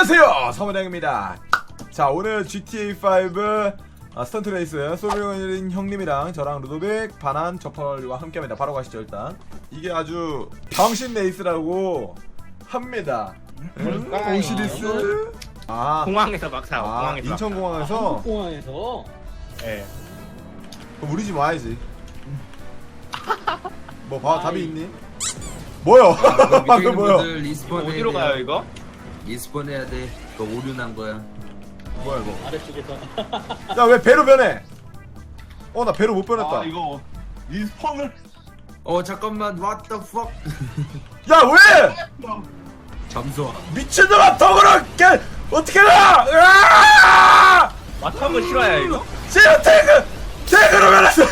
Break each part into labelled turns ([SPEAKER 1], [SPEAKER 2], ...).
[SPEAKER 1] 안녕하세요, 서문영입니다. 자, 오늘 GTA5 스턴트 레이스 소비오인 형님이랑 저랑 루도빅, 바난, 저펄과 함께합니다. 바로 가시죠. 일단 이게 아주 정신 레이스라고 합니다. 오시리스.
[SPEAKER 2] 공항에서 막 사.
[SPEAKER 1] 아,
[SPEAKER 2] 공항에서
[SPEAKER 1] 인천공항에서.
[SPEAKER 3] 한국공항에서.
[SPEAKER 2] 예.
[SPEAKER 1] 그럼 우리 집 와야지. 뭐 답이 있니? 뭐요? 방금 뭐요?
[SPEAKER 4] 리스폰
[SPEAKER 2] 어디로 가요 이거?
[SPEAKER 4] 리스폰 해야 돼. 그거 오류 난 거야.
[SPEAKER 1] 뭐야 이거?
[SPEAKER 3] 아래쪽에서.
[SPEAKER 1] 야, 왜 배로 변해? 나 배로 못 변했다.
[SPEAKER 5] 아 이거 리스폰을
[SPEAKER 4] 잠깐만. What the fuck?
[SPEAKER 1] 야, 왜?
[SPEAKER 4] 잠수아.
[SPEAKER 1] 미친놈아, 덕으로 어떻게 나? 으아!
[SPEAKER 2] 마텀을 실어야 이거?
[SPEAKER 1] 지금 탱크로 변했어.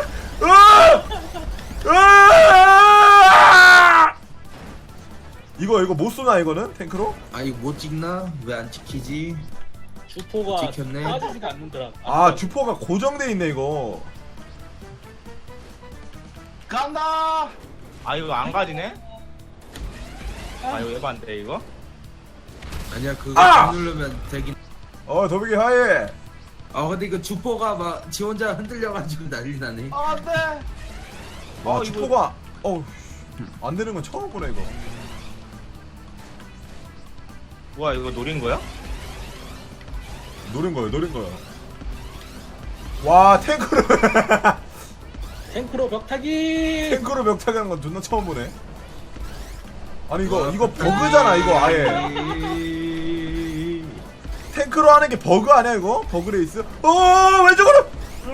[SPEAKER 1] 이거 못 쏘나 이거는 탱크로?
[SPEAKER 4] 아 이거 못 찍나? 왜 안 찍히지?
[SPEAKER 3] 주포가
[SPEAKER 4] 찍혔네.
[SPEAKER 3] 빠지지가 않는더라.
[SPEAKER 1] 아, 주포가 고정돼 있네 이거.
[SPEAKER 5] 간다.
[SPEAKER 2] 아 이거 안 가지네? 아 이거 에반데 이거?
[SPEAKER 4] 아니야 그거
[SPEAKER 1] 아!
[SPEAKER 4] 누르면 되긴.
[SPEAKER 1] 더비기 하이.
[SPEAKER 4] 근데 이거 주포가 막 지 혼자 흔들려가지고 난리 나네.
[SPEAKER 5] 안돼.
[SPEAKER 1] 와,
[SPEAKER 2] 이거-
[SPEAKER 1] 주포가 안 되는 건 처음 보네 이거.
[SPEAKER 2] 뭐야 이거 노린 거야?
[SPEAKER 1] 노린 거요. 와, 탱크로
[SPEAKER 3] 탱크로 벽타기.
[SPEAKER 1] 탱크로 멱타기 하는 건 존나 처음 보네. 아니 이거 버그잖아 이거 아예. 탱크로 하는 게 버그 아니야 이거? 버그 레이스? 왼쪽으로!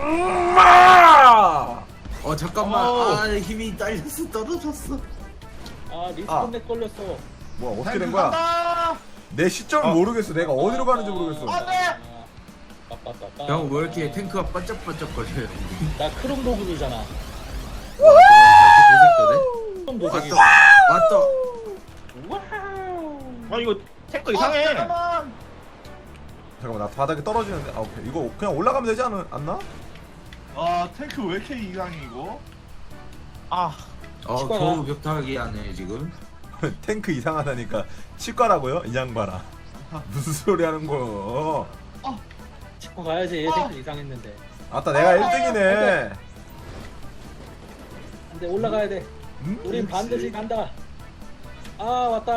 [SPEAKER 4] 잠깐만.
[SPEAKER 2] 어.
[SPEAKER 4] 힘이 딸려서 떨어졌어.
[SPEAKER 3] 리스폰렉 걸렸어.
[SPEAKER 1] 뭐야 어떻게 된 거야?
[SPEAKER 5] 간다.
[SPEAKER 1] 내 시점을 모르겠어. 내가 어디로 가는지 모르겠어.
[SPEAKER 5] 안돼.
[SPEAKER 3] 빠빠빠빠.
[SPEAKER 4] 형 왜 이렇게 탱크가 반짝반짝거려요?
[SPEAKER 3] 나 크롬도그잖아.
[SPEAKER 4] 이렇게
[SPEAKER 3] 크롬도그.
[SPEAKER 4] 도색되네? 왔다.
[SPEAKER 2] 아 이거 탱크 이상해.
[SPEAKER 5] 잠깐만.
[SPEAKER 1] 잠깐만, 나 바닥에 떨어지는데. 오케이. 이거 그냥 올라가면 되지 않나?
[SPEAKER 5] 아 탱크 왜 이렇게 이상해 이거?
[SPEAKER 2] 아
[SPEAKER 4] 겨우 벽타기 하네 지금.
[SPEAKER 1] 탱크 이상하다니까 치과라고요? 이 양반아. 무슨 소리 하는 거요?
[SPEAKER 3] 치고 가야지. 탱크 이상했는데.
[SPEAKER 1] 아따, 내가 1등이네.
[SPEAKER 3] 근데 올라가야 돼. 우린 반드시 간다. 왔다.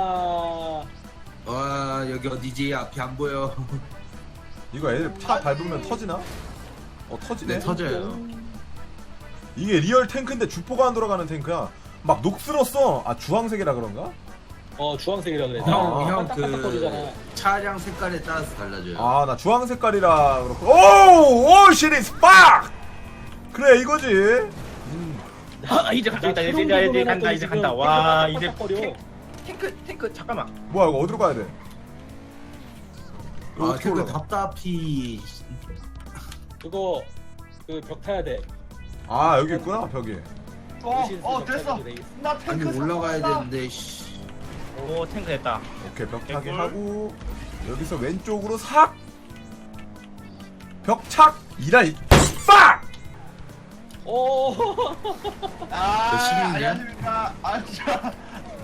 [SPEAKER 4] 와 여기 어디지? 앞이 안 보여.
[SPEAKER 1] 이거 애들 차 밟으면 터지나? 터지네.
[SPEAKER 4] 네 터져요.
[SPEAKER 1] 이게 리얼 탱크인데 주포가 안 돌아가는 탱크야. 막 녹슬었어. 주황색이라 그런가?
[SPEAKER 3] 주황색이라 그래.
[SPEAKER 4] 형
[SPEAKER 3] 반짝반짝거리잖아.
[SPEAKER 4] 그 차량 색깔에 따라서 달라져요.
[SPEAKER 1] 나 주황 색깔이라 그렇고. 오 시리즈 빡! 그래 이거지.
[SPEAKER 2] 이제 간다 이제 간다 이제 간다. 와 이제 탱크 잠깐만.
[SPEAKER 1] 뭐야 이거 어디로 가야 돼? 이거 어떻게
[SPEAKER 4] 탱크
[SPEAKER 1] 올라가?
[SPEAKER 4] 답답히.
[SPEAKER 3] 그거 벽 타야 돼.
[SPEAKER 1] 여기 있구나 벽이.
[SPEAKER 5] 됐어. 나
[SPEAKER 4] 아니
[SPEAKER 5] 탱크
[SPEAKER 4] 올라가야
[SPEAKER 5] 샀다.
[SPEAKER 4] 되는데 씨.
[SPEAKER 2] 오 탱크 됐다.
[SPEAKER 1] 오케이, 벽 타기
[SPEAKER 2] 개꿀.
[SPEAKER 1] 하고 여기서 왼쪽으로 삭! 벽착! 이라이 빡!
[SPEAKER 5] 아
[SPEAKER 4] 시민이야?
[SPEAKER 5] 안녕하십니까. 자.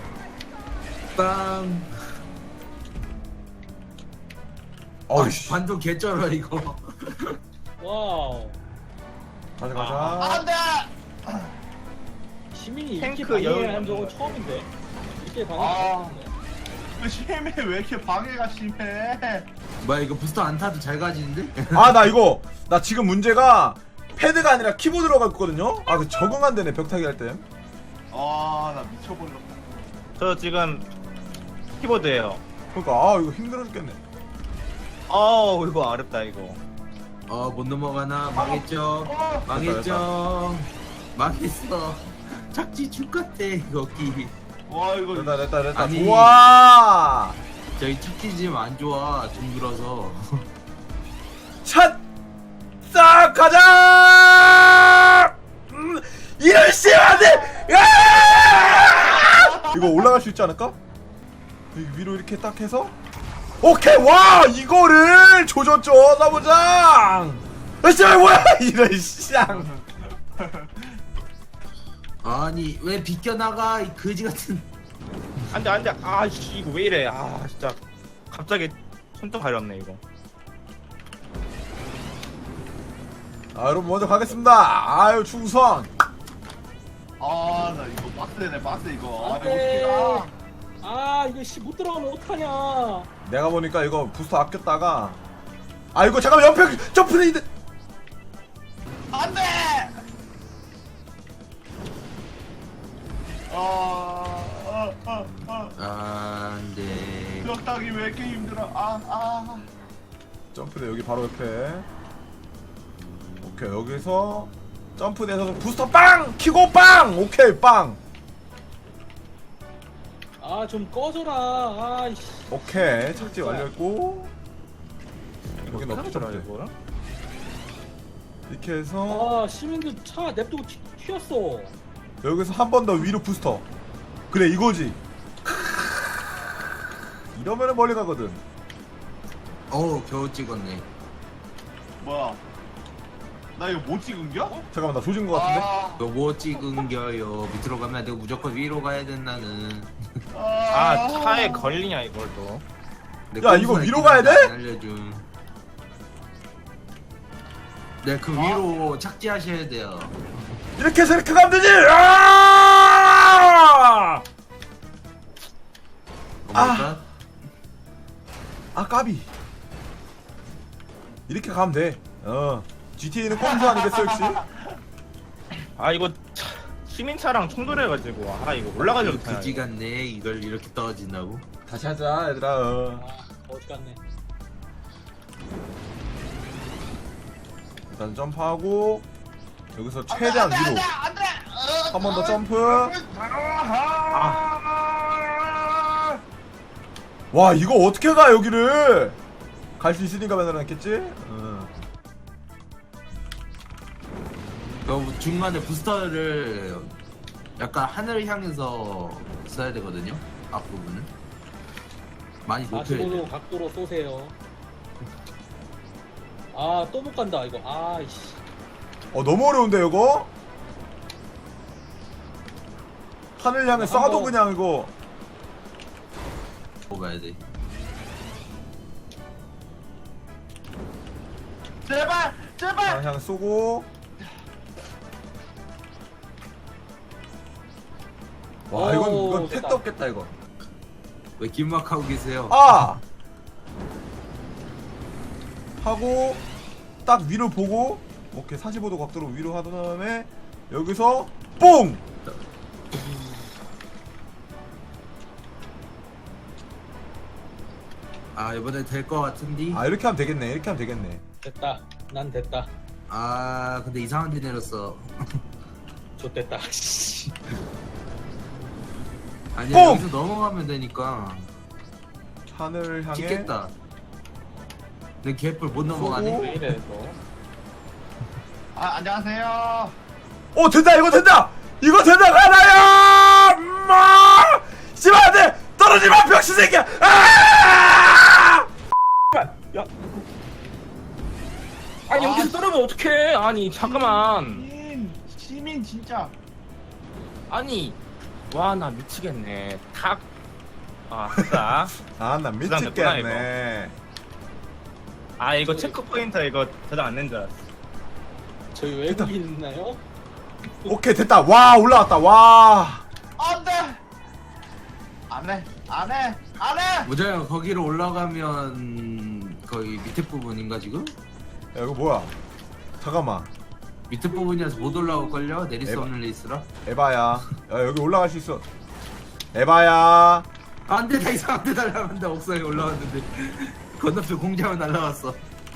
[SPEAKER 4] 빵.
[SPEAKER 1] 어이씨.
[SPEAKER 4] 반도 개쩔어 이거.
[SPEAKER 3] 와우.
[SPEAKER 1] 가자.
[SPEAKER 5] 안돼.
[SPEAKER 3] 시민이 이렇게
[SPEAKER 2] 탱크
[SPEAKER 3] 방해를
[SPEAKER 2] 여유
[SPEAKER 3] 한 적은
[SPEAKER 2] 없는
[SPEAKER 3] 처음인데. 이렇게 방해.
[SPEAKER 5] 심해 왜 이렇게 방해가 심해?
[SPEAKER 4] 뭐야 이거 부스터 안 타도 잘 가지는데?
[SPEAKER 1] 나 지금 문제가 패드가 아니라 키보드로 갔거든요? 그 적응 안 되네, 벽 타기 할 때.
[SPEAKER 5] 나 미쳐버렸다.
[SPEAKER 2] 저 지금 키보드예요.
[SPEAKER 1] 그러니까, 이거 힘들어 죽겠네.
[SPEAKER 2] 이거 어렵다 이거.
[SPEAKER 4] 못 넘어가나? 망했죠. 망했죠. 망했어. 착지 죽같아 여기.
[SPEAKER 5] 와 이거
[SPEAKER 1] 됐다.
[SPEAKER 4] 아니.
[SPEAKER 1] 좋아!
[SPEAKER 4] 저희 착지 지금 안 좋아. 둥글어서.
[SPEAKER 1] 샷! 싹 가자! 이럴 씨 안 돼! 이거 올라갈 수 있지 않을까? 여기 위로 이렇게 딱 해서 오케이! 와! 이거를 조졌죠, 사부장! 뭐야! 이런 쌍!
[SPEAKER 4] 아니 왜 비껴나가 이 거지 같은.
[SPEAKER 2] 안돼 안돼. 아씨 이거 왜 이래. 진짜. 갑자기 손톱 가렸네 이거.
[SPEAKER 1] 아 여러분 먼저 가겠습니다. 아유 충성.
[SPEAKER 5] 아, 나 이거 빡세네, 빡세, 이거. 아,
[SPEAKER 3] 안
[SPEAKER 5] 이거
[SPEAKER 3] 돼.
[SPEAKER 5] 어떡해라.
[SPEAKER 3] 아 이거 씨 못 들어가면 어떡하냐.
[SPEAKER 1] 내가 보니까 이거 부스터 아꼈다가 아 이거 잠깐만 옆에 점프레이드.
[SPEAKER 5] 안 돼!
[SPEAKER 4] 안돼.
[SPEAKER 5] 벽 따기 왜 이렇게 힘들어? 아.
[SPEAKER 1] 점프대 여기 바로 옆에. 오케이 여기서 점프돼서 부스터 빵 키고 빵. 오케이 빵.
[SPEAKER 3] 아 좀 꺼져라. 아이씨.
[SPEAKER 1] 오케이 착지 완료했고 여긴 없지
[SPEAKER 2] 어떡하더라,
[SPEAKER 1] 점프.
[SPEAKER 2] 이거?
[SPEAKER 1] 이렇게 해서
[SPEAKER 3] 아 시민들 차 냅두고 튀었어.
[SPEAKER 1] 여기서 한 번 더 위로 부스터. 그래 이거지. 이러면은 멀리 가거든.
[SPEAKER 4] 어우 겨우 찍었네.
[SPEAKER 5] 뭐야? 나 이거 못 찍은겨?
[SPEAKER 1] 잠깐만 나 조진 거 같은데.
[SPEAKER 4] 너 뭐 찍은겨요? 밑으로 가면 안 되고 무조건 위로 가야 된다는.
[SPEAKER 2] 아 차에 걸리냐 이걸 또.
[SPEAKER 4] 내
[SPEAKER 1] 야, 이거
[SPEAKER 4] 꼼수가
[SPEAKER 1] 위로
[SPEAKER 4] 있긴
[SPEAKER 1] 가야
[SPEAKER 4] 한데
[SPEAKER 1] 돼?
[SPEAKER 4] 안 알려줌. 네, 그 위로 착지하셔야 돼요.
[SPEAKER 1] 이렇게 해서 이렇게 가면 되지. 아!
[SPEAKER 4] 뭐랄까?
[SPEAKER 1] 아 까비. 이렇게 가면 돼. GTA는 꼼수 아니겠어 역시.
[SPEAKER 2] 아 이거 시민차랑 충돌해가지고 아 이거 올라가려고 타냐,
[SPEAKER 4] 그지
[SPEAKER 2] 이거.
[SPEAKER 4] 같네. 이걸 이렇게 떨어진다고?
[SPEAKER 1] 다시 하자 얘들아.
[SPEAKER 3] 아 어지간네.
[SPEAKER 1] 일단 점프하고 여기서 최대한 위로. 한 번 더 점프. 와 이거 어떻게 가 여기를. 갈 수 있으니까 만들어놨겠지?
[SPEAKER 4] 그 중간에 부스터를 약간 하늘을 향해서 써야 되거든요. 앞부분은 많이 높여야 돼.
[SPEAKER 3] 45도 각도로 쏘세요. 아 또 못 간다 이거. 아이씨.
[SPEAKER 1] 너무 어려운데 이거? 하늘 향해 쏴도
[SPEAKER 3] 한번-
[SPEAKER 1] 그냥 이거.
[SPEAKER 4] 가야 돼.
[SPEAKER 5] 제발, 제발.
[SPEAKER 1] 그냥 쏘고. 와 이건
[SPEAKER 3] 됐다.
[SPEAKER 1] 택도 없겠다 이거.
[SPEAKER 4] 왜 긴막하고 계세요?
[SPEAKER 1] 아! 하고 딱 위를 보고 오케이 45도 각도로 위로 하던 다음에 여기서 뽕!
[SPEAKER 4] 아 이번에 될 것 같은데.
[SPEAKER 1] 아 이렇게 하면 되겠네. 이렇게 하면 되겠네.
[SPEAKER 3] 됐다. 난 됐다.
[SPEAKER 4] 아 근데 이상한 데 내렸어.
[SPEAKER 3] 좋됐다. 씨.
[SPEAKER 4] 아니야
[SPEAKER 1] 뽕!
[SPEAKER 4] 여기서 넘어가면 되니까
[SPEAKER 1] 하늘 향해
[SPEAKER 4] 찍겠다. 내 개뿔 못 넘어가네.
[SPEAKER 1] 쏘고.
[SPEAKER 2] 왜 이래 또.
[SPEAKER 5] 아, 안녕하세요.
[SPEAKER 1] 된다 이거 된다! 이거 된다 가나요! 엄마! 씨발 안돼! 떨어지마 병신 새끼야! 아!
[SPEAKER 2] 야. 아니 여기서 떨어면 어떡해? 아니 잠깐만.
[SPEAKER 5] 시민 진짜.
[SPEAKER 2] 아니 와 나 미치겠네. 탁. 아 됐다.
[SPEAKER 1] 아나
[SPEAKER 2] 부담됐구나,
[SPEAKER 1] 미치겠네.
[SPEAKER 2] 아 이거 체크 포인트 이거 저장 안 낸 줄 알았어.
[SPEAKER 3] 저희 외국인 있나요?
[SPEAKER 1] 오케이 됐다. 와 올라왔다. 와.
[SPEAKER 5] 안 돼. 안 해. 안 해. 안 해.
[SPEAKER 4] 모자야 거기로 올라가면 거의 밑에 부분인가 지금?
[SPEAKER 1] 야 이거 뭐야? 잠깐만.
[SPEAKER 4] 밑에 부분이라서 못 올라올걸요? 내릴 수
[SPEAKER 1] 에바.
[SPEAKER 4] 없는 레이스라?
[SPEAKER 1] 에바야. 야 여기 올라갈 수 있어. 에바야.
[SPEAKER 4] 안돼 다 이상한 데 날아간다. 옥상에 올라왔는데 건너편 공장은 날아갔어.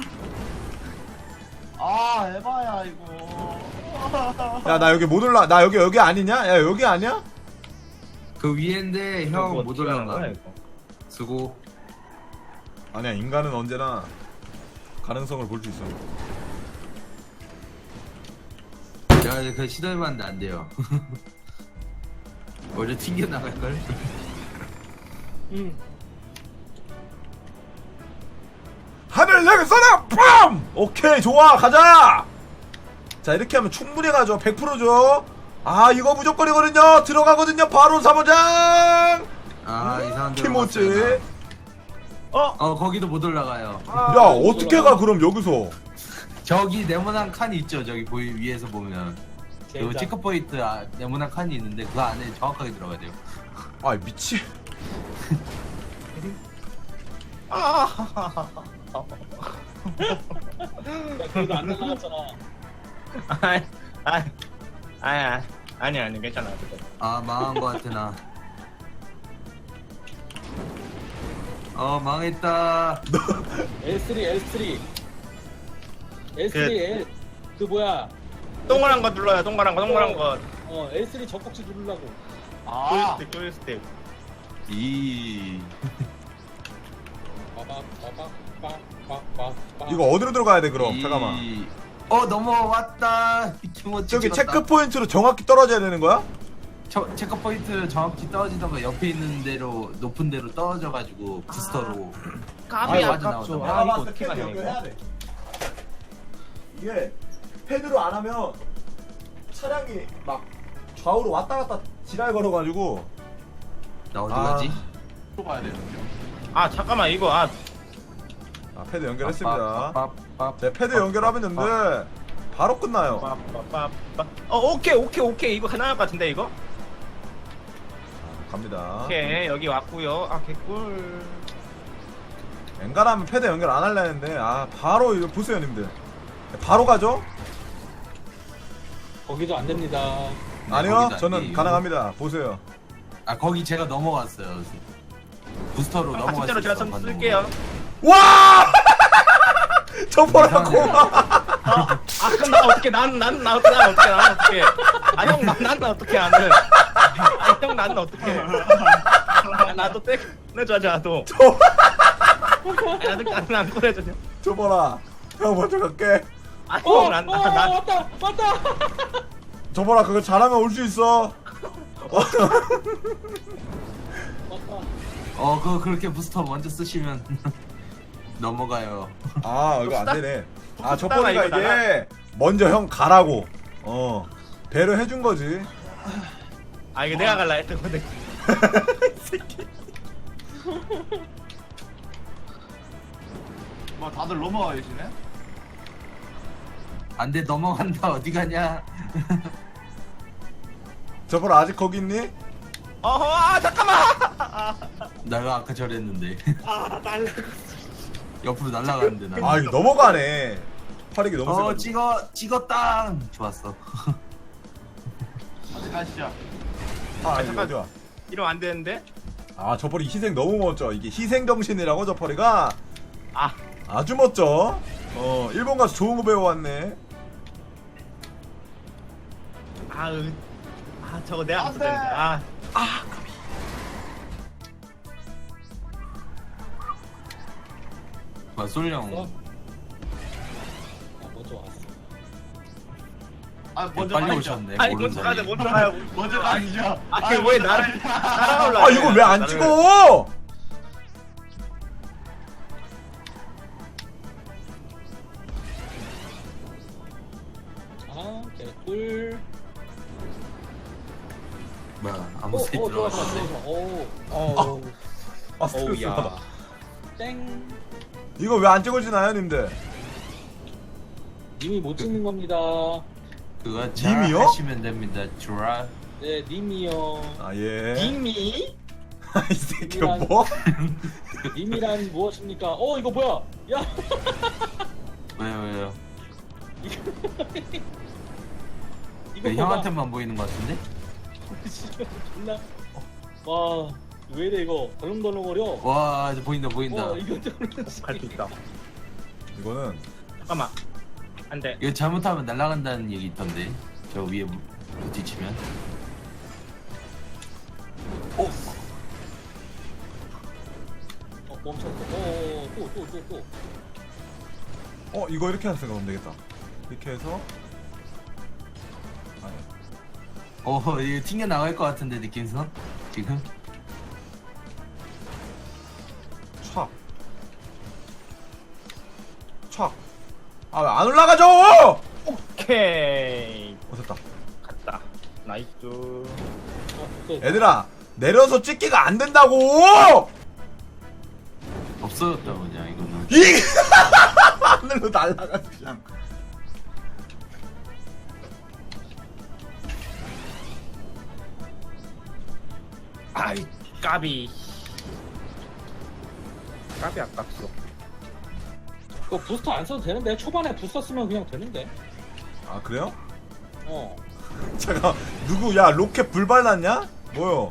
[SPEAKER 5] 아, 에바야 이거.
[SPEAKER 1] 야 나 여기 못 올라. 나 여기 아니냐? 야 여기 아니야?
[SPEAKER 4] 그 위엔데
[SPEAKER 2] 이거
[SPEAKER 4] 형
[SPEAKER 2] 뭐
[SPEAKER 4] 못
[SPEAKER 2] 어떻게 하는
[SPEAKER 4] 올라가.
[SPEAKER 2] 거야, 이거?
[SPEAKER 4] 수고.
[SPEAKER 1] 아니야 인간은 언제나 가능성을 볼 수 있어.
[SPEAKER 4] 야, 그 시도해봤는데 안 돼요. 원래 튕겨 나갈걸?
[SPEAKER 1] 하늘 내게 쏘라! 빰! 오케이 좋아 가자! 자 이렇게 하면 충분히 가죠. 100%죠. 아 이거 무조건이거든요. 들어가거든요. 바로 3호장!
[SPEAKER 4] 아, 이상한 데로
[SPEAKER 1] 키모찌.
[SPEAKER 4] 갔어요, 거기도 못 올라가요.
[SPEAKER 1] 야 어떻게 가 그럼 여기서?
[SPEAKER 4] 저기 네모난 칸이 있죠. 저기 위에서 보면 그
[SPEAKER 3] 젠장.
[SPEAKER 4] 체크포인트 네모난 칸이 있는데 그 안에 정확하게 들어가야 돼요.
[SPEAKER 1] 아 미치.
[SPEAKER 3] 야, 그래도 안 날라갔잖아.
[SPEAKER 2] 아니 괜찮아. 그거.
[SPEAKER 4] 아 망한 거 같아 나. 망했다.
[SPEAKER 3] L3 L 그 뭐야?
[SPEAKER 2] 동그란 거 눌러요. 동그란 거.
[SPEAKER 3] L3 젖꼭지 누르려고.
[SPEAKER 5] 아,
[SPEAKER 2] 조이스틱.
[SPEAKER 1] 이거 어디로 들어가야 돼 그럼? 잠깐만.
[SPEAKER 4] 넘어왔다. 김어치
[SPEAKER 1] 저기
[SPEAKER 4] 찍었다.
[SPEAKER 1] 체크 포인트로 정확히 떨어져야 되는 거야?
[SPEAKER 4] 체크 포인트 정확히 떨어지던가 옆에 있는 데로 높은 데로 떨어져가지고 부스터로.
[SPEAKER 2] 까비
[SPEAKER 4] 맞아,
[SPEAKER 2] 아깝죠.
[SPEAKER 4] 나오잖아.
[SPEAKER 2] 아 이거 어떻게 가냐 이거.
[SPEAKER 1] 이게 패드로 안 하면 차량이 막 좌우로 왔다 갔다 지랄 걸어가지고.
[SPEAKER 4] 나 어디
[SPEAKER 1] 아.
[SPEAKER 4] 가지?
[SPEAKER 5] 또 가야 되는데요.
[SPEAKER 2] 아 잠깐만 이거
[SPEAKER 1] 패드 연결했습니다.
[SPEAKER 4] 빠.
[SPEAKER 1] 네, 패드 연결하면 되는데 바로 끝나요.
[SPEAKER 2] 빠빠빠빠. 오케이 이거 가능할 것 같은데 이거?
[SPEAKER 1] 갑니다.
[SPEAKER 2] 오케이 여기 왔고요. 아 개꿀.
[SPEAKER 1] 엔간하면 패드 연결 안 할라 했는데 바로 이거 보세요 님들. 바로 가죠?
[SPEAKER 3] 거기도 안 됩니다.
[SPEAKER 1] 아니요
[SPEAKER 4] 거기도
[SPEAKER 1] 저는
[SPEAKER 4] 아니에요.
[SPEAKER 1] 가능합니다. 보세요.
[SPEAKER 4] 거기 제가 넘어갔어요. 부스터로 넘어갔어요.
[SPEAKER 2] 진짜로 제가 좀 쓸게요.
[SPEAKER 1] 와! 저 보라 고마.
[SPEAKER 2] 그럼 나 어떻게 난 어떻게 난 어떻게 나는 형 나는 어떻게 나도 떼내줘야지 나도 나도 안 꺼내줘.
[SPEAKER 1] 저 보라. 형 먼저 갈게.
[SPEAKER 2] 난
[SPEAKER 3] 왔다.
[SPEAKER 1] 저 보라 그거 잘하면 올 수 있어.
[SPEAKER 3] 왔다.
[SPEAKER 4] 그렇게 부스터 먼저 쓰시면 넘어가요.
[SPEAKER 1] 이거 안 되네. 저
[SPEAKER 2] 쓰다가
[SPEAKER 1] 보니까
[SPEAKER 2] 이거
[SPEAKER 1] 이게 먼저 형 가라고. 배려 해준 거지.
[SPEAKER 2] 이거 내가 갈라 했던 건데.
[SPEAKER 5] 뭐 다들 넘어가 계시네.
[SPEAKER 4] 안돼 넘어간다. 어디 가냐?
[SPEAKER 1] 저 보라 아직 거기 있니?
[SPEAKER 2] 잠깐만.
[SPEAKER 4] 내가 아까 저랬는데. 옆으로 날아가는데 나.
[SPEAKER 1] 이거 넘어가네. 팔이기 너무 세가지고.
[SPEAKER 4] 찍었다. 좋았어.
[SPEAKER 5] 어디 가시죠.
[SPEAKER 1] 이거
[SPEAKER 2] 잠깐.
[SPEAKER 1] 어디야?
[SPEAKER 2] 이러면 안 되는데.
[SPEAKER 1] 저 펄이 희생 너무 멋져. 이게 희생 정신이라고 저 펄이가
[SPEAKER 2] 아.
[SPEAKER 1] 아주 멋져. 일본 가서 좋은 거 배워왔네.
[SPEAKER 2] 저거 내가
[SPEAKER 5] 안 돼.
[SPEAKER 2] 했었는데.
[SPEAKER 4] 솔령.
[SPEAKER 3] 먼저 왔어.
[SPEAKER 5] 먼저
[SPEAKER 4] 빨리
[SPEAKER 5] 가시죠.
[SPEAKER 4] 오셨네.
[SPEAKER 2] 먼저
[SPEAKER 4] 모르는
[SPEAKER 2] 가자
[SPEAKER 4] 사이에.
[SPEAKER 2] 먼저 가요.
[SPEAKER 5] 먼저 가시죠.
[SPEAKER 2] 왜 나를 따라올라?
[SPEAKER 1] 이걸 왜 안 찍어?
[SPEAKER 3] 개꿀.
[SPEAKER 4] 뭐야 아무 소리 들어갔는데.
[SPEAKER 1] 스트레스 받아.
[SPEAKER 3] 땡.
[SPEAKER 1] 이거 왜 안 찍어지나요, 님들?
[SPEAKER 3] 님이 못 찍는 겁니다.
[SPEAKER 4] 그거 잘
[SPEAKER 1] 님이요?
[SPEAKER 4] 하시면 됩니다. 좋아.
[SPEAKER 3] 네, 님이요.
[SPEAKER 1] 예.
[SPEAKER 2] 님이
[SPEAKER 1] 이 새끼 뭐?
[SPEAKER 3] 님이란 무엇입니까? 이거 뭐야? 야,
[SPEAKER 4] 왜요?
[SPEAKER 3] 이거
[SPEAKER 4] 왜 형한테만 보이는 것 같은데?
[SPEAKER 3] 존나. 와, 왜 이래 이거? 덜렁덜렁거려.
[SPEAKER 4] 와 이제 보인다.
[SPEAKER 3] 이거
[SPEAKER 2] 갈수 있다.
[SPEAKER 1] 이거는
[SPEAKER 2] 잠깐만. 안 돼.
[SPEAKER 4] 이거 잘못하면 날아간다는 얘기 있던데. 저 위에 부딪히면.
[SPEAKER 3] 멈췄어. 또.
[SPEAKER 1] 이거 이렇게 해서 가면 되겠다. 이렇게 해서
[SPEAKER 4] 이거 튕겨 나갈 것 같은데 느낌상 지금.
[SPEAKER 1] 촥. 왜 안 올라가죠?
[SPEAKER 2] 오케이.
[SPEAKER 1] 됐다.
[SPEAKER 2] 갔다. 나이스.
[SPEAKER 1] 얘들아, 내려서 찍기가 안 된다고!
[SPEAKER 4] 없어. 없어졌다 그냥 이거는.
[SPEAKER 1] 이 하늘로 날아가 그냥.
[SPEAKER 2] 아이 까비. 까비 아깝소.
[SPEAKER 3] 그거 부스터 안 써도 되는데 초반에 부스터 쓰면 그냥 되는데.
[SPEAKER 1] 아 그래요?
[SPEAKER 3] 어.
[SPEAKER 1] 잠깐 누구 야 로켓 불 발랐냐? 뭐요?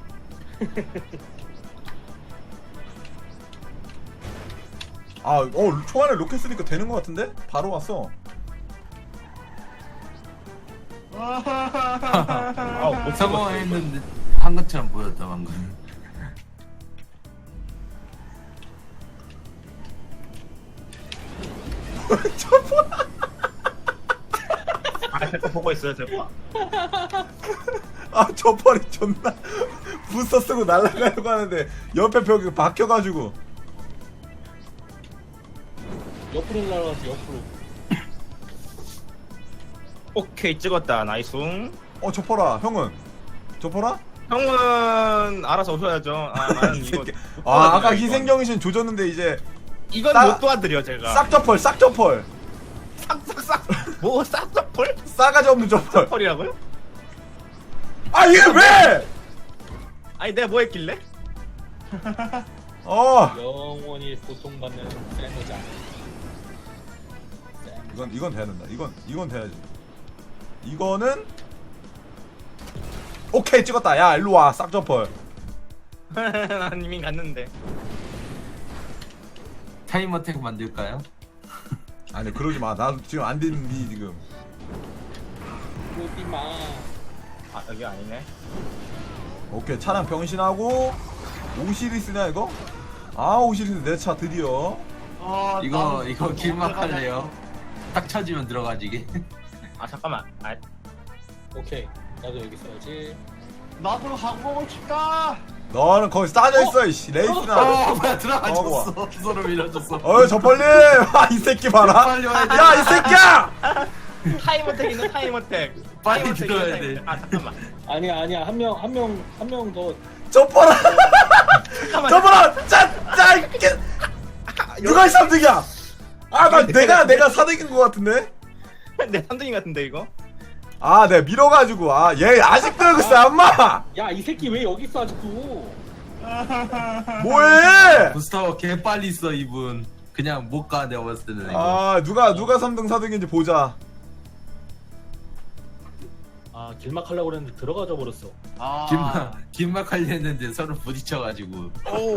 [SPEAKER 1] 초반에 로켓 쓰니까 되는 것 같은데? 바로 왔어.
[SPEAKER 2] 아못
[SPEAKER 4] 성공했는데 한 것처럼 보였다 방금.
[SPEAKER 2] 제거 보고 있어요 제거.
[SPEAKER 1] 아 저펄이 존나 부스터 쓰고 날아가려고 하는데 옆에 벽에 박혀가지고.
[SPEAKER 3] 옆으로 날아가지 옆으로.
[SPEAKER 2] 오케이 찍었다 나이스.
[SPEAKER 1] 저펄아 형은? 저펄아?
[SPEAKER 2] 형은 알아서 오셔야죠. 아 나는
[SPEAKER 1] 이
[SPEAKER 2] 이거
[SPEAKER 1] 새끼.
[SPEAKER 2] 못 도와드려요,
[SPEAKER 1] 아까
[SPEAKER 2] 이건.
[SPEAKER 1] 희생정신 조졌는데 이제
[SPEAKER 2] 이건
[SPEAKER 1] 싸-
[SPEAKER 2] 못 도와드려 제가.
[SPEAKER 1] 싹저펄 싹저펄
[SPEAKER 2] 싹싹싹 뭐 싹싹펄?
[SPEAKER 1] 싸가지 없는 저펄.
[SPEAKER 2] 펄이라고요?
[SPEAKER 1] 아 이게 왜?
[SPEAKER 2] 아니 내가 뭐 했길래?
[SPEAKER 3] 영원히 고통받는 샌드장.
[SPEAKER 1] 이건 돼야 된다. 이건 돼야지. 이거는 오케이 찍었다. 야 일로 와 싹저펄.
[SPEAKER 2] 난 이미 갔는데.
[SPEAKER 4] 타임어택 만들까요?
[SPEAKER 1] 아니 그러지 마. 나 지금 안 되는니 지금.
[SPEAKER 3] 오비마.
[SPEAKER 2] 아 여기 아니네.
[SPEAKER 1] 오케이 차량 병신하고 오시리스냐 이거? 아 오시리스 내 차 드디어.
[SPEAKER 4] 이거 길막 할래요? 딱 쳐지면 들어가지게.
[SPEAKER 2] 아 잠깐만. 아
[SPEAKER 3] 오케이. 나도 여기 써야지.
[SPEAKER 5] 나도 가보고 싶다.
[SPEAKER 1] 너는 거기 싸져 있어 이씨 레이스나.
[SPEAKER 4] 뭐야 들어가졌어.
[SPEAKER 1] 와.
[SPEAKER 4] 서로 밀어줬어.
[SPEAKER 1] 저펄님. 이 새끼 봐라.
[SPEAKER 4] 빨리 와야 돼.
[SPEAKER 1] 야 이 새끼야.
[SPEAKER 2] 타임어택 있는 타임어택.
[SPEAKER 4] 빨리
[SPEAKER 2] 타임어택
[SPEAKER 4] 들어야
[SPEAKER 2] 있는
[SPEAKER 4] 돼.
[SPEAKER 2] 타임어택. 아 잠깐만.
[SPEAKER 3] 아니야 한 명 더.
[SPEAKER 1] 저펄아.
[SPEAKER 2] 잠깐만.
[SPEAKER 1] 저펄아. 짠짠. 누가 3등이야? 내가 4등인 것 같은데?
[SPEAKER 2] 내 3등인 같은데 이거?
[SPEAKER 1] 내가 밀어가지고 얘 아직도 여기 있어 엄마.
[SPEAKER 3] 야 이 새끼 왜 여기 있어 아직도?
[SPEAKER 1] 뭐해?
[SPEAKER 4] 부스터 개 빨리 써 이분. 그냥 못 가 내가 봤을 때는. 이거.
[SPEAKER 1] 누가 3등 4등인지 보자.
[SPEAKER 3] 길막 하려고 그랬는데 들어가져 버렸어.
[SPEAKER 4] 길막 하려 했는데 서로 부딪혀가지고.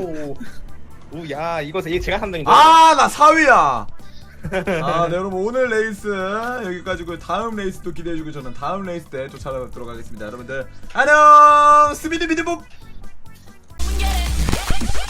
[SPEAKER 2] 오야 이거 제가 3등인데.
[SPEAKER 1] 나 4위야. 네 여러분 오늘 레이스 여기까지고 다음 레이스도 기대해주고 저는 다음 레이스 때 쫓아가도록 하겠습니다. 여러분들 안녕. 스비드비드복.
[SPEAKER 6] Get it.